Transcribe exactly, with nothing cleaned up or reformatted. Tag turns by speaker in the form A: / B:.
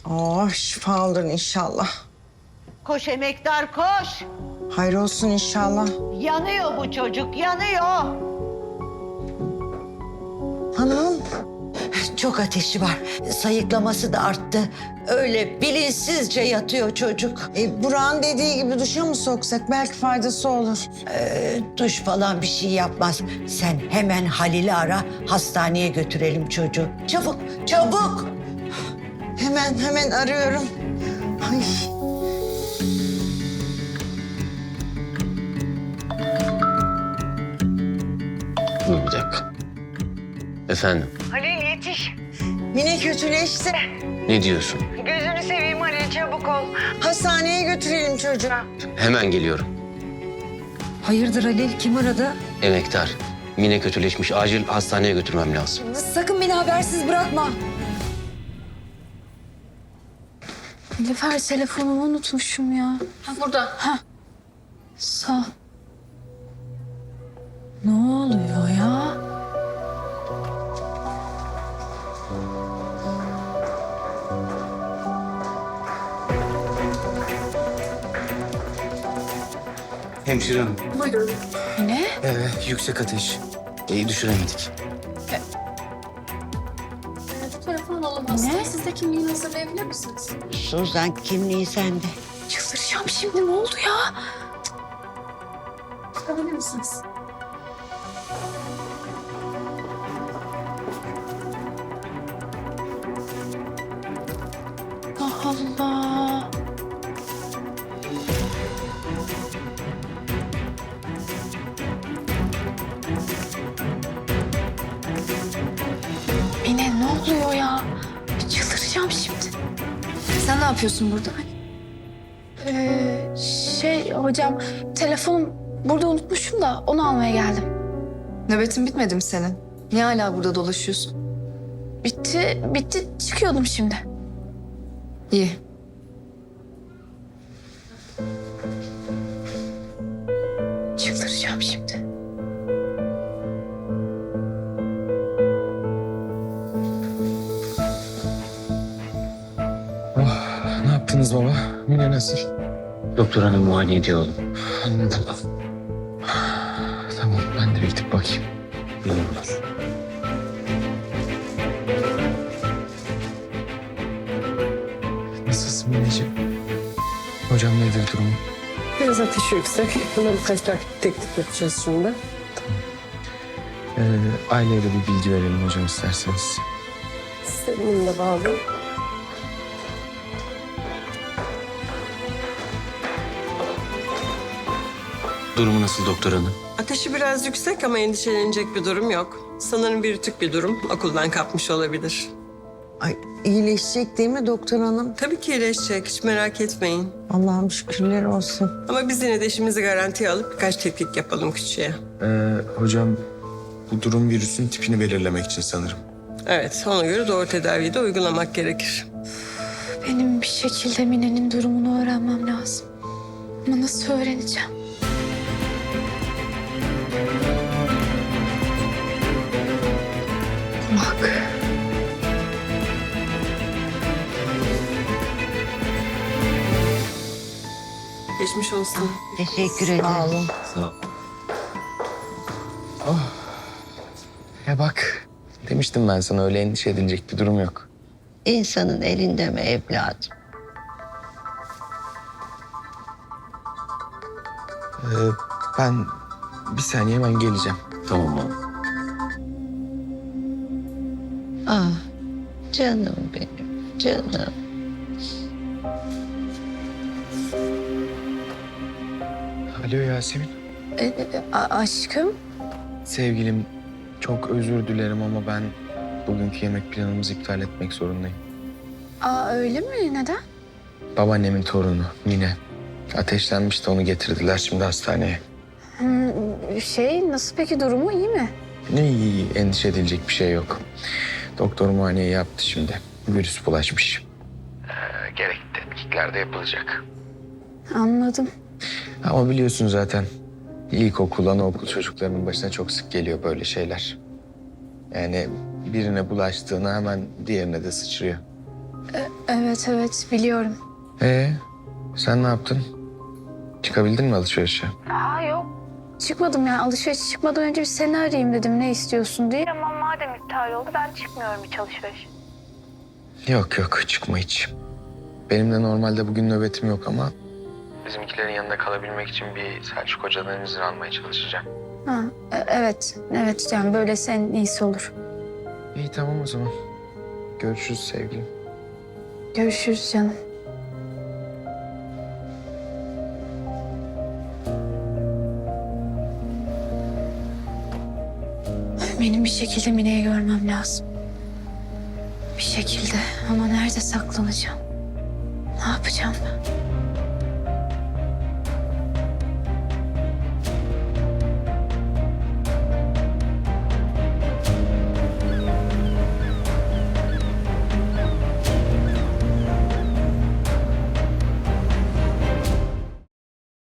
A: Oh, şifa olur inşallah.
B: Koş emektar koş.
A: Hayır olsun inşallah.
B: Yanıyor bu çocuk yanıyor.
A: Hanım.
C: Çok ateşi var. Sayıklaması da arttı. Öyle bilinçsizce yatıyor çocuk.
A: E, Burak'ın dediği gibi duşa mı soksak? Belki faydası olur.
C: Ee, duş falan bir şey yapmaz. Sen hemen Halil'i ara, hastaneye götürelim çocuğu. Çabuk, çabuk.
A: Hemen hemen arıyorum. Ay.
D: Dur bir dakika. Efendim,
A: Halil yetiş. Mine kötüleşti.
D: ne diyorsun?
A: Gözünü seveyim Halil, çabuk ol. Hastaneye götürelim çocuğu.
D: Hemen geliyorum.
E: Hayırdır Halil? Kim aradı?
D: Emektar, Mine kötüleşmiş. Acil hastaneye götürmem lazım.
E: Sakın beni habersiz bırakma. Nilüfer telefonumu unutmuşum ya. Ha, burada. Ha. Sağ. Ne oluyor ya?
F: Hemşire hanım.
E: Ne?
F: Ee, yüksek ateş. İyi düşüremedik.
G: Telefon olamaz.
E: Ne?
G: Siz de kimliğini hazırlayabilir misiniz?
C: Suzan kimliği sende.
E: Çıldıracağım şimdi. Ne oldu ya?
G: Çıkabilir misiniz?
E: Allah Allah. Mine ne oluyor ya? Çıldıracağım şimdi. Sen ne yapıyorsun burada?
G: Ee, şey hocam, telefonum burada unutmuşum da onu almaya geldim.
E: Nöbetin bitmedi mi senin? Niye hala burada dolaşıyorsun?
G: Bitti, bitti. Çıkıyordum şimdi.
E: İyi.
G: Çıldıracağım şimdi.
F: Ne yaptınız baba? Mine nasıl?
D: Doktor hanım muayene ediyor oğlum.
F: Anladım. Tamam, ben de bir gidip bakayım.
D: Ne olur.
F: Nasılsın Mineciğim? Hocam nedir durumu?
H: Biraz ateşi yüksek. Buna birkaç takip teklif yapacağız şimdi.
F: Ee, aileye de bir bilgi verelim hocam isterseniz.
H: Sistemini de bağlı.
D: Durumu nasıl doktor hanım?
H: Ateşi biraz yüksek ama endişelenecek bir durum yok. Sanırım bir tük bir durum. Okuldan kapmış olabilir.
A: Ay, iyileşecek değil mi doktor hanım?
H: Tabii ki iyileşecek. Hiç merak etmeyin.
A: Allah'ım şükürler olsun.
H: Ama biz yine de işimizi garantiye alıp birkaç tetkik yapalım küçüğe.
I: Ee, hocam bu durum virüsün tipini belirlemek için sanırım.
H: Evet, ona göre doğru tedaviyi de uygulamak gerekir.
G: Benim bir şekilde Mine'nin durumunu öğrenmem lazım. Ama nasıl öğreneceğim? Bak.
H: Geçmiş olsun.
C: Teşekkür ederim.
A: Sağ olun.
D: Sağ ol.
F: Ya bak, demiştim ben sana öyle endişe edilecek bir durum yok.
C: İnsanın elinde mi evladım?
F: Ee, ben bir saniye hemen geleceğim.
D: Tamam oğlum.
C: Ah, canım benim, canım.
F: Alo Yasemin.
G: E, e, a- aşkım.
F: Sevgilim, çok özür dilerim ama ben bugünkü yemek planımızı iptal etmek zorundayım.
G: Aa, öyle mi? Neden?
F: Babaannemin torunu Mine. Ateşlenmişti, onu getirdiler şimdi hastaneye.
G: Hmm, şey, nasıl peki durumu iyi mi?
F: Ne iyi, endişe edilecek bir şey yok. Doktor muayeneyi yaptı şimdi. Virüs bulaşmış. Ee, gerekli tetkikler de yapılacak.
G: Anladım.
F: Ama biliyorsun zaten ilkokul, anaokul çocuklarının başına çok sık geliyor böyle şeyler. Yani birine bulaştığına hemen diğerine de sıçrıyor.
G: Evet evet biliyorum.
F: Ee, sen ne yaptın? Çıkabildin mi alışverişe?
G: Aa yok. Çıkmadım yani alışveriş çıkmadan önce bir seni arayayım dedim ne istiyorsun diye. Ama madem iptal oldu ben çıkmıyorum hiç alışveriş.
F: Yok yok çıkma hiç. Benim de normalde bugün nöbetim yok ama... Bizimkilerin yanında kalabilmek için bir Selçuk Hoca'dan izin almaya çalışacağım.
G: Ha, e- evet evet yani böyle senin iyisi olur.
F: İyi tamam o zaman. Görüşürüz sevgilim.
G: Görüşürüz canım. Benim bir şekilde Mine'yi görmem lazım. Bir şekilde ama nerede saklanacağım? Ne yapacağım ben?